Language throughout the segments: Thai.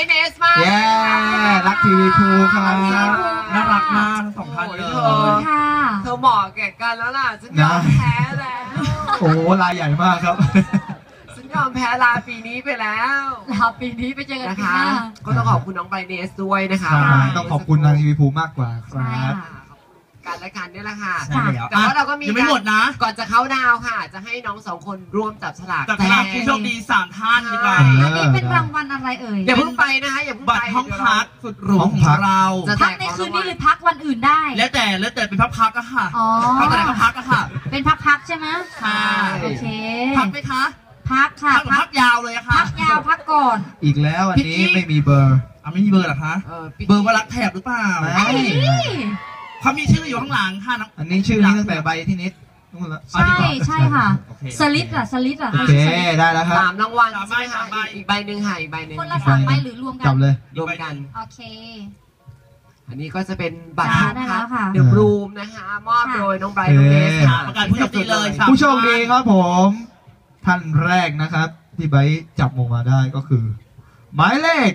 เนสมากรักทีวีพูครับน่ารักมากทั้งสองท่านเลยเธอเหมาะแก่กันแล้วล่ะฉันยอมแพ้แล้วโอ้ลายใหญ่มากครับฉันยอมแพ้ลาปีนี้ไปแล้วลาปีนี้ไปเจอกันนะคะก็ต้องขอบคุณน้องไบเนสด้วยนะคะต้องขอบคุณทางทีวีพูมากกว่าครับการรายการนี่แหละค่ะแต่ว่าเราก็มียังไม่หมดนะก่อนจะเข้าดาวค่ะจะให้น้องสองคนร่วมจับฉลากผู้โชคดี3ท่านดีกว่าอันนี้เป็นรางวัลอะไรเอ่ยอย่าเพิ่งไปนะคะอย่าเพิ่งไปบัตรห้องพักสุดหรูของเราพักในคืนนี้หรือพักวันอื่นได้แล้วแต่เป็นพักก็ค่ะพักไหนก็พักก็ค่ะเป็นพักใช่ไหมค่ะโอเคพักไหมคะพักค่ะพักยาวเลยค่ะพักยาวพักก่อนอีกแล้วอันนี้ไม่มีเบอร์ไม่มีเบอร์หรอคะเบอร์ว่ารักแถบหรือเปล่าเขามีชื่ออยู่ข้างหลังค่ะอันนี้ชื่อนี้ตั้งแต่ใบที่นิดใช่ค่ะสลิดอ่ะโอเคได้แล้วครับ 3 รางวัลใช่ไหมคะอีกใบหนึ่งค่ะอีกใบหนึ่งคนละ3 ใบหรือรวมกันจับเลยรวมกันโอเคอันนี้ก็จะเป็นบัตรค่ะเดอะบลูมนะคะมอบโดยน้องไบรท์น้องเนสค่ะประกาศผู้โชคดีเลยผู้โชคดีครับผมท่านแรกนะครับที่ใบจับออกมาได้ก็คือหมายเลข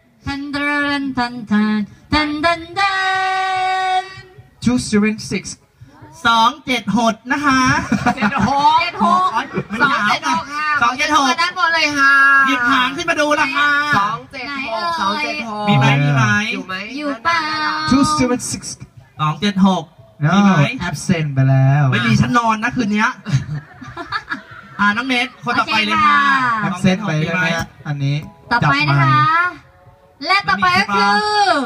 276นะคะ 276ด้านบนเลยค่ะหยิบหางขึ้นมาดูละค่ะ 276 มีไหมอยู่เปล่า 276มีไหม absent ไปแล้วไม่มีฉันนอนนะคืนนี้น้องเนทคนต่อไปเลยค่ะ absent ไปใช่ไหมอันนี้ต่อไปนะคะและต่อไปก็คือ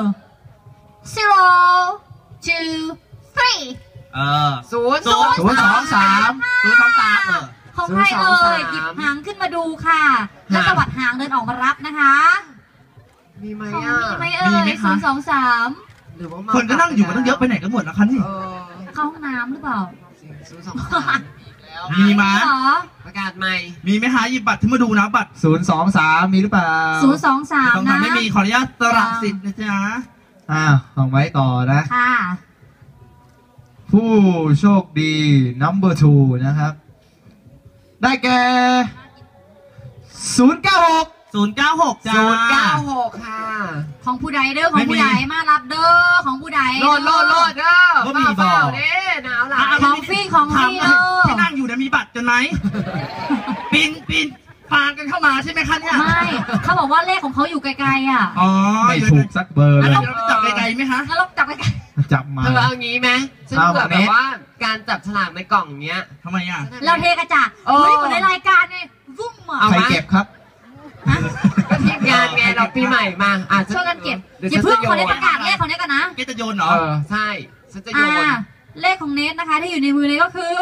0 2 3 023 ของใครเอ่ยหยิบหางขึ้นมาดูค่ะแล้วตวัดหางเดินออกมารับนะคะมีไหมเอ่ย023 หรือว่าคนก็นั่งอยู่มันต้องเยอะไปไหนกันหมดนะคะนี่เข้าห้องน้ำหรือเปล่ามีไหมประกาศใหม่มีไหมคะหยิบบัตรที่มาดูนะบัตร 023มีหรือเปล่า 023นะไม่มีขออนุญาตสละสิทธิ์นะจ๊ะของไว้ต่อนะค่ะผู้โชคดี number 2นะครับได้แก่096 จ้า 096ค่ะของผู้ใดเด้อของผู้ใดมารับเด้อของผู้ใดโลดเด้อก็มีบอกหนาวหลายของฟรีที่นั่งอยู่มีบัตรกันไหมปีนฟางกันเข้ามาใช่ไหมคะเนี่ยไม่เขาบอกว่าเลขของเขาอยู่ไกลๆอ่ะไม่ถูกสักเบอร์เลยเราจับไกลๆไหมคะแล้วเราจับไกลจับมาเธอเอางี้ไหมฉันเกิดแบบว่าการจับฉลากในกล่องเนี้ยทำไมอ่ะเราเทกระจาดเหมือนในรายการเนี่ยวุ้มอ่ะใครเก็บครับก็ทีมงานไงเราปีใหม่มาช่วยกันเก็บอย่าเพิ่งขอได้ประกาศเลขของเนทกันนะจะโยนเหรอใช่ฉันจะโยนเลขของเนทนะคะที่อยู่ในมือเนทก็คือ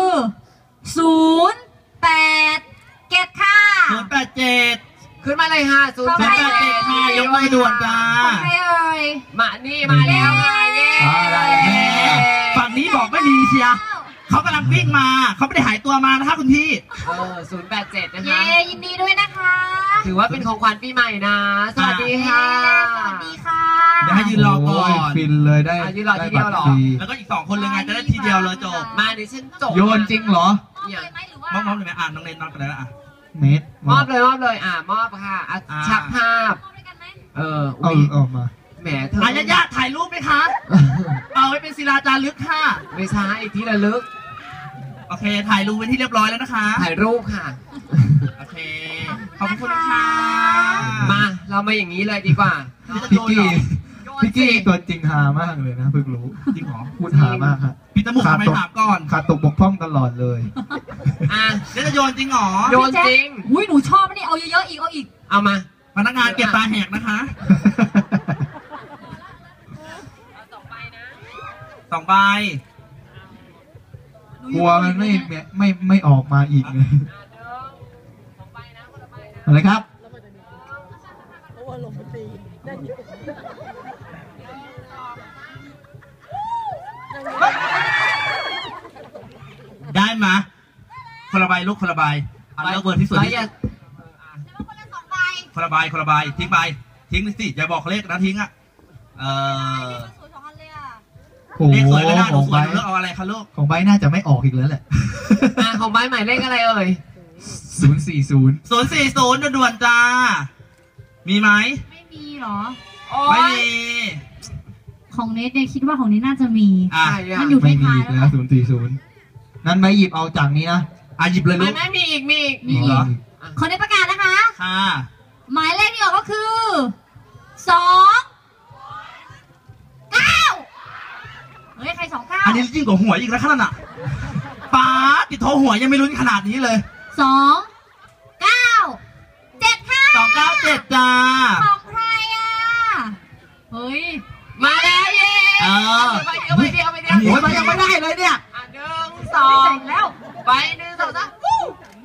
087ค่ะ 087 ขึ้นมาเลยค่ะ 087ค่ะยกมือด่วนจ้ามานี่มาแล้วค่ะเย้ฝั่งนี้บอกไม่มีเชียร์เขากำลังวิ่งมาเขาไม่ได้หายตัวมานะคะคุณพี่ 087นะคะเย้ยินดีด้วยนะคะถือว่าเป็นของขวัญปีใหม่นะสวัสดีค่ะสวัสดีค่ะเดี๋ยวให้ยืนรอก่อนฟินเลยได้ยืนรอทีเดียวหรอแล้วก็อีก2คนเลยไงจะได้ทีเดียวเลยจบมาดิฉันจบโยนจริงเหรอมอบเลยไหมน้องเนทมอบกันแล้วเนทมอบเลยมอบค่ะชักภาพเอามาแหมเธอญาติถ่ายรูปไหมคะเอาไว้เป็นศิลาจารึกค่ะไม่ใช่ที่ระลึกโอเคถ่ายรูปเป็นที่เรียบร้อยแล้วนะคะถ่ายรูปค่ะโอเคขอบคุณค่ะมาเรามาอย่างนี้เลยดีกว่าพี่กี้ตัวจริงหามากเลยนะเพิ่งรู้จริงหรอพูดหามากครับพี่ตะมุกทำไมถามก่อนขาดตกบกพร่องตลอดเลยจะโยนจริงหรอโยนจริงอุ้ยหนูชอบนี่เอาเยอะๆอีกเอามาพนักงานเก็บตาแหกนะคะ2 ใบกลัวมันไม่ออกมาอีกไงอะไรครับได้มาคนละใบลูกคนละใบเลือกเบอร์ที่สุดคนละใบทิ้งไปทิ้งสิอย่าบอกเลขนะทิ้งอ่ะเลขสวยไม่น่าดูสวยเลือกเอาอะไรคะลูกของใบน่าจะไม่ออกอีกแล้วแหละของใบหมายเลขอะไรเอ่ย 040 ด่วนๆจ้ามีไหมไม่มีเหรอโอ้ไม่ยมีของเนทเนี่ยคิดว่าของเนทน่าจะมีอ่ะใช่อะมันอยู่ไม่มีท้ายอีๆกแล้วแล้ว040นั้นไม่หยิบเอาจากนี้นะหยิบเลยลูไม่กไม่มีอีกมีอีกมีอีกเหรอของเนทประกาศนะคะค่ะหมายเลขที่ออกก็คือ2 9เฮ้ยใคร29 อันนี้ยิ่งกว่าหวยอีกแล้วขนาดน่ะป้าติดโทรหวยยังไม่ลุ้นขนาดนี้เลย 2 9 7ค่ะ 297จ้าของใครอ่ะเฮ้ยมาแล้วเย้เออไปเดียวไปเดียวไปเดียวโอ้ยมันยังไม่ได้เลยเนี่ยอ่ะหนึ่งสอไม่งใส่แล้วไปหนึ่งสองสามวู้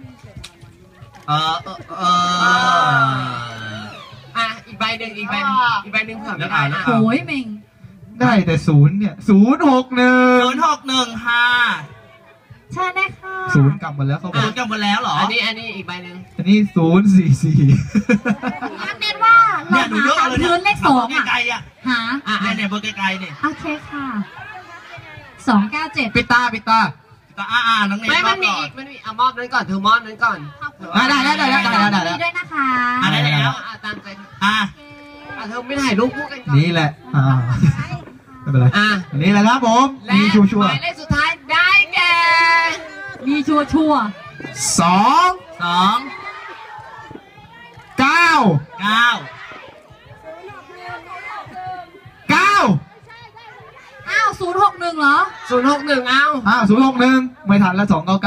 อ่ะอีกใบหนึ่งอีกใบหนึ่งอีกใบหนึ่งเผื่อไม่ได้นะโอ้ยเมงได้แต่0เนี่ย061 061ค่ะใช่ได้ค่ะ 0กลับมาแล้วเขาบศูอกนย์กันหมดแล้วเหรออันนี้อีกใบหนึ่งอันนี้044 งั้นเน้นว่าเราเนี่ยหนูเลือกหาเอาเลยพื้นเลข2อ่ะไกลๆอ่ะหาเนี่ยเบอร์ไกลๆเนี่ยโอเคค่ะ297 ปิดตาแต่น้องเนยไม่มันมีรบอีกมันมีอ่ะมอบนั้นก่อนเธอมอบนั้นก่อนได้ได้ได้ได้ได้ได้ได้มีด้วยนะคะได้แล้วตามใจอ่ะเธอไม่ถ่ายรูปคู่กันก่อนนี่แหละไม่เป็นไรอ่ะอันนี้แหละครับผมและมีชัวหร์มายเลขสุดท้ายได้แก่มีชัวร์ๆ2 2 9 9 9 อ้าว061เหรอ 061เอา 061ไม่ทันแล้ว299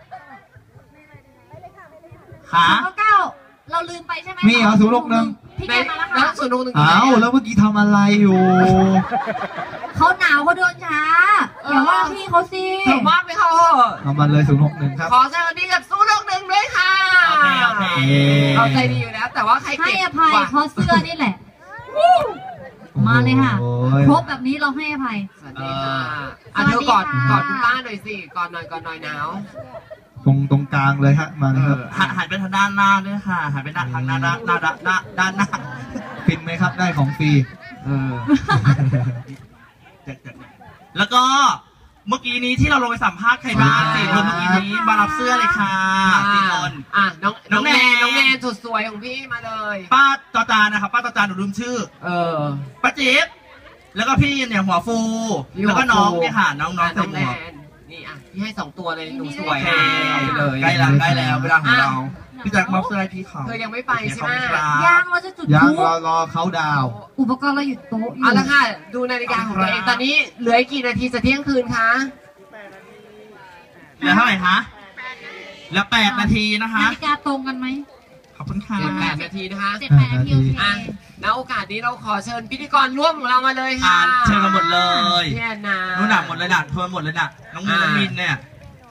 ขา 099เราลืมไปใช่ไหมมีเหรอ061 พี่ในแกมาแล้วแล้วค่ะ 061 อ้าวแล้วเมื่อกี้ทำอะไรอยู่เขาหนาวเขาเดินช้าอย่าว่าพี่เขาสิเธอมอบไปเขาเอามาเลย061ครับขอแสดงความดีกับ061ด้วยค่ะโอเคเราใจดีอยู่แล้ว แต่ว่าใครให้เก็บอภัยกว่าเพราะเสื้อนี่แหละ มาเลยค่ะโอ้ยครบแบบนี้เราให้อภัยสวัสดีค่ะสวัสดีเธอกอดค่ะกอดคุณป้าหน่อยสิกอดหน่อยหนาวตรงกลางเลยฮะมาเลยครับหันไปทางด้านหน้าด้วยค่ะหันไปทางหน้าด้านหน้าฟินไหมครับได้ของฟรีแล้วก็เมื่อกี้นี้ที่เราลงไปสัมภาษณ์ใครบ้างสี่คนเมื่อกี้นี้มารับเสื้อเลยค่ะสี่คนอ่ะน้องแนนน้น้ออง งแนแนนนสุดสวยของพี่มาเลยป้าจอจานนะครับป้าจอจานหนูลืมชื่อเออป้าจิ๊บแล้วก็พี่เนี่ยหัวฟู แล้วก็น้องเนี่ยค่ะน้องอ่ะใส่น้องหมแนวกนนี่อ่ะพี่ให้2ตัวเลยหนูสโอวยเคเอาไปเลยใกล้แล้วเวลาของเราพี่แจ็คมอบเสื้อให้พี่เขาเธอยังไม่ไปใช่ไหมยางเราจะจุดยังพลุรอเขาดาวน์อุปกรณ์เราอยู่โต๊ะอยู่เอาละค่ะดูนาฬิกาของตัวเองตอนนี้เหลืออีกกี่นาทีจะเที่ยงคืนคะเหลือเท่าไหร่คะเหลือ8 นาทีนะคะนาฬิกาตรงกันไหมขอบคุณค่ะ 8 นาทีนะคะ 7-8 นาทีโอเคอ่ะณโอกาสนี้เราขอเชิญพิธีกรร่วมของเรามาเลยค่ะเชิญมาหมดเลยพี่แอนนานู่นหนักหมดเลยน่ะทวนหมดเลยน่ะน้องมินเนี่ย